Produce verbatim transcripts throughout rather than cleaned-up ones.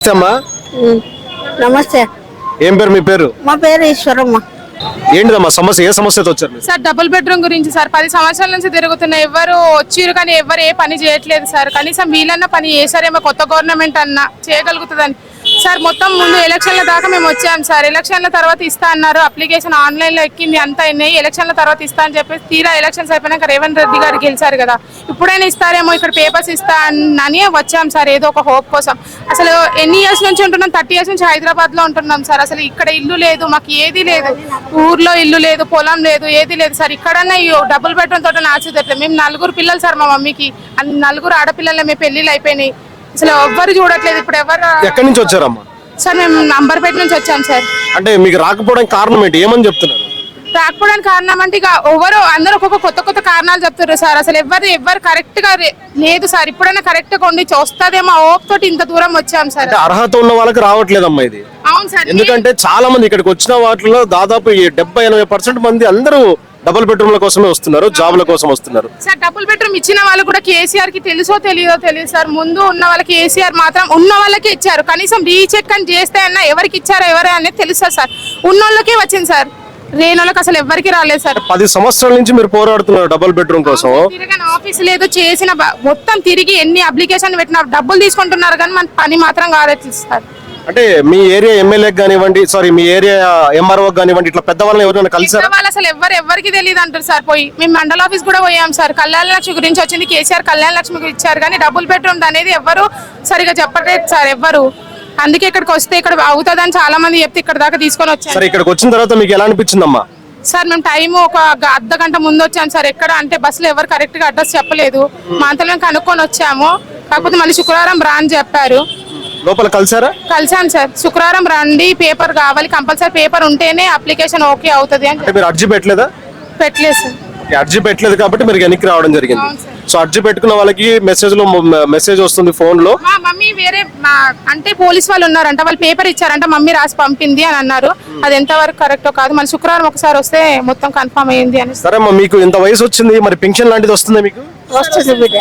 నమస్తే. ఏం పేరు మీ పేరు? మా పేరు ఈశ్వరమ్మ. ఏంటిదమ్మా సమస్య? ఏ సమస్యతో వచ్చారు సార్? డబుల్ బెడ్రూమ్ గురించి సార్. పది సంవత్సరాల నుంచి తిరుగుతున్న ఎవరు వచ్చిరు కానీ ఎవరు ఏ పని చేయట్లేదు సార్. కనీసం వీళ్ళన్న పని చేశారేమో, కొత్త గవర్నమెంట్ అన్నా చేయగలుగుతుందని సార్. మొత్తం ముందు ఎలక్షన్ల దాకా మేము వచ్చాం సార్. ఎలక్షన్ల తర్వాత ఇస్తా అన్నారు, అప్లికేషన్ ఆన్లైన్ లో ఎక్కింది, అంతా అయినాయి. ఎలక్షన్ల తర్వాత ఇస్తా అని చెప్పి తీరా ఎలక్షన్స్ అయిపోయినాక రేవంత్ రెడ్డి గారు గెలిచారు కదా, ఇప్పుడైనా ఇస్తారేమో, ఇక్కడ పేపర్స్ ఇస్తా అని వచ్చాం సార్, ఏదో ఒక హోప్ కోసం. అసలు ఎన్ని ఇయర్స్ నుంచి ఉంటున్నాం? థర్టీ ఇయర్స్ నుంచి హైదరాబాద్ లో ఉంటున్నాం సార్. అసలు ఇక్కడ ఇల్లు లేదు, మాకు ఏది లేదు, ఊర్లో ఇల్లు లేదు, పొలం లేదు, ఏది లేదు సార్. ఇక్కడన్నా డబుల్ బెడ్రూమ్ తోట నాచుదట్లేదు. మేము నలుగురు పిల్లలు సార్, మా మమ్మీకి నలుగురు ఆడపిల్లలే, మేము పెళ్లిళ్ళు అయిపోయినాయి. అసలు ఎవ్వరు చూడట్లేదు. ఇప్పుడు ఎవరు? ఎక్కడి నుంచి వచ్చారమ్మా? సార్ మేము నంబర్పేట నుంచి వచ్చాం సార్. అంటే మీకు రాకపోవడానికి కారణం ఏంటి? ఏమని చెప్తున్నారు? రాకపోవడానికి కారణం అంటే ఇక ఎవరు అందరూ ఒక్కొక్క కొత్త కొత్త కారణాలు చెప్తారు సార్. అసలు ఎవరు ఎవరు కరెక్ట్ గా లేదు సార్. ఇప్పుడైనా కరెక్ట్ గా ఉండి వస్తుందేమో హోప్ తోటి ఇంత దూరం వచ్చాం సార్. అర్హత ఉన్న వాళ్ళకి రావట్లేదమ్మా ఇది. అవును సార్. ఎందుకంటే చాలా మంది ఇక్కడికి వచ్చిన వాటిలో దాదాపు డెబ్బై ఎనభై పర్సెంట్ మంది అందరూ డబుల్ బెడ్రూమ్ల కోసమే వస్తున్నారు, జాబ్ల కోసం వస్తున్నారు సార్. డబుల్ బెడ్రూమ్ ఇచ్చిన వాళ్ళు కూడా కేసీఆర్ కి తెలుసో తెలియదో తెలియదు సార్. ముందు ఉన్న వాళ్ళకి కేసీఆర్ మాత్రం ఉన్న వాళ్ళకి ఇచ్చారు. కనీసం రీచెక్ అని చేస్తే అన్నా ఎవరికి ఇచ్చారో ఎవరే అనేది తెలుసా సార్. ఉన్న వాళ్ళకే వచ్చింది సార్, లేని వాళ్ళకి అసలు ఎవరికి రాలేదు సార్. పది సంవత్సరాల నుంచి మీరు పోరాడుతున్నారు డబుల్ బెడ్రూమ్ కోసం. తిరగని ఆఫీస్ లేదు, చేసిన మొత్తం తిరిగి ఎన్ని అప్లికేషన్ పెట్టినా డబ్బులు తీసుకుంటున్నారు కానీ మన పని మాత్రం కాలేదు సార్. అంటే మీ ఏరియా ఎమ్మెల్యే కానివ్వండి, సారీ మీ ఏరియా ఎంఆర్ఓ కానివ్వండి, ఇట్లా పెద్దవాళ్ళని ఎవరైనా కలిసారు? వాళ్ళు అసలు ఎవరు ఎవరికి తెలియదు అంటారు సార్. పోయి మేము మండల ఆఫీస్ కూడా పోయాం సార్. కళ్యాణ లక్ష్మి గురించి వచ్చింది, కేసీఆర్ కళ్యాణ లక్ష్మి ఇచ్చారు కానీ డబుల్ బెడ్రూమ్ అనేది ఎవరు సరిగా చెప్పలేదు సార్ ఎవరు. అందుకే ఇక్కడికి వస్తే ఇక్కడ అవుతుందని చాలా మంది చెప్తే ఇక్కడ దాకా తీసుకొని వచ్చారు. సరే, ఇక్కడికి వచ్చిన తర్వాత మీకు ఎలా అనిపించిందమ్మా? సార్ మేము టైం ఒక అర్ధ గంట ముందు వచ్చాం సార్. ఎక్కడ అంటే బస్సులో ఎవరు కరెక్ట్ గా అడ్రస్ చెప్పలేదు. మా అంతలో కనుక్కొని వచ్చాము. కాకపోతే మళ్ళీ శుక్రవారం రా అని చెప్పారు. లోపల కలిసారా? కలిసాం సార్. శుక్రవారం రండి, పేపర్ కావాలి కంపల్సరీ, పేపర్ ఉంటేనే అప్లికేషన్ ఓకే అవుతుంది అని. మీరు అర్జీ పెట్టలేదా? పెట్టలేదు సార్. అర్జీ పెట్టలేదు కాబట్టి మీరు వెనక్కి రావడం జరిగింది. సో అర్జీ పెట్టుకున్న వాళ్ళకి మెసేజ్ లో మెసేజ్ వస్తుంది ఫోన్ లో. మా మమ్మీ వేరే అంటే పోలీస్ వాళ్ళు ఉన్నారంట, వాళ్ళు పేపర్ ఇచ్చారంట, మమ్మీ రాసి పంపింది అని అన్నారు. అది ఎంత వరకు కరెక్టో కాదు. మళ్ళీ శుక్రవారం ఒకసారి వస్తే మొత్తం కన్ఫర్మ్ అయ్యింది అని. సరే అమ్మా, మీకు ఇంత వయసు వచ్చింది, మరి పెన్షన్ లాంటిది వస్తుంది మీకు? వస్తుంది బిడ్డ,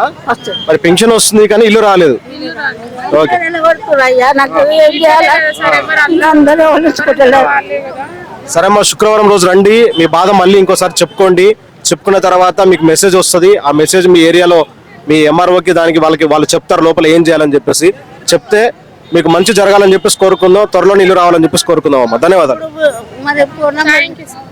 మరి పెన్షన్ వస్తుంది కానీ ఇల్లు రాలేదు. ఓకే, సరే అమ్మా, శుక్రవారం రోజు రండి, మీ బాధ మళ్ళీ ఇంకోసారి చెప్పుకోండి. చెప్పుకున్న తర్వాత మీకు మెసేజ్ వస్తుంది. ఆ మెసేజ్ మీ ఏరియాలో మీ ఎంఆర్ఓకి దానికి వాళ్ళకి వాళ్ళు చెప్తారు లోపల ఏం చేయాలని చెప్పేసి. చెప్తే మీకు మంచి జరగాలని చెప్పేసి కోరుకుందాం. త్వరలో ఇల్లు రావాలని చెప్పేసి కోరుకుందాం అమ్మా. ధన్యవాదాలు.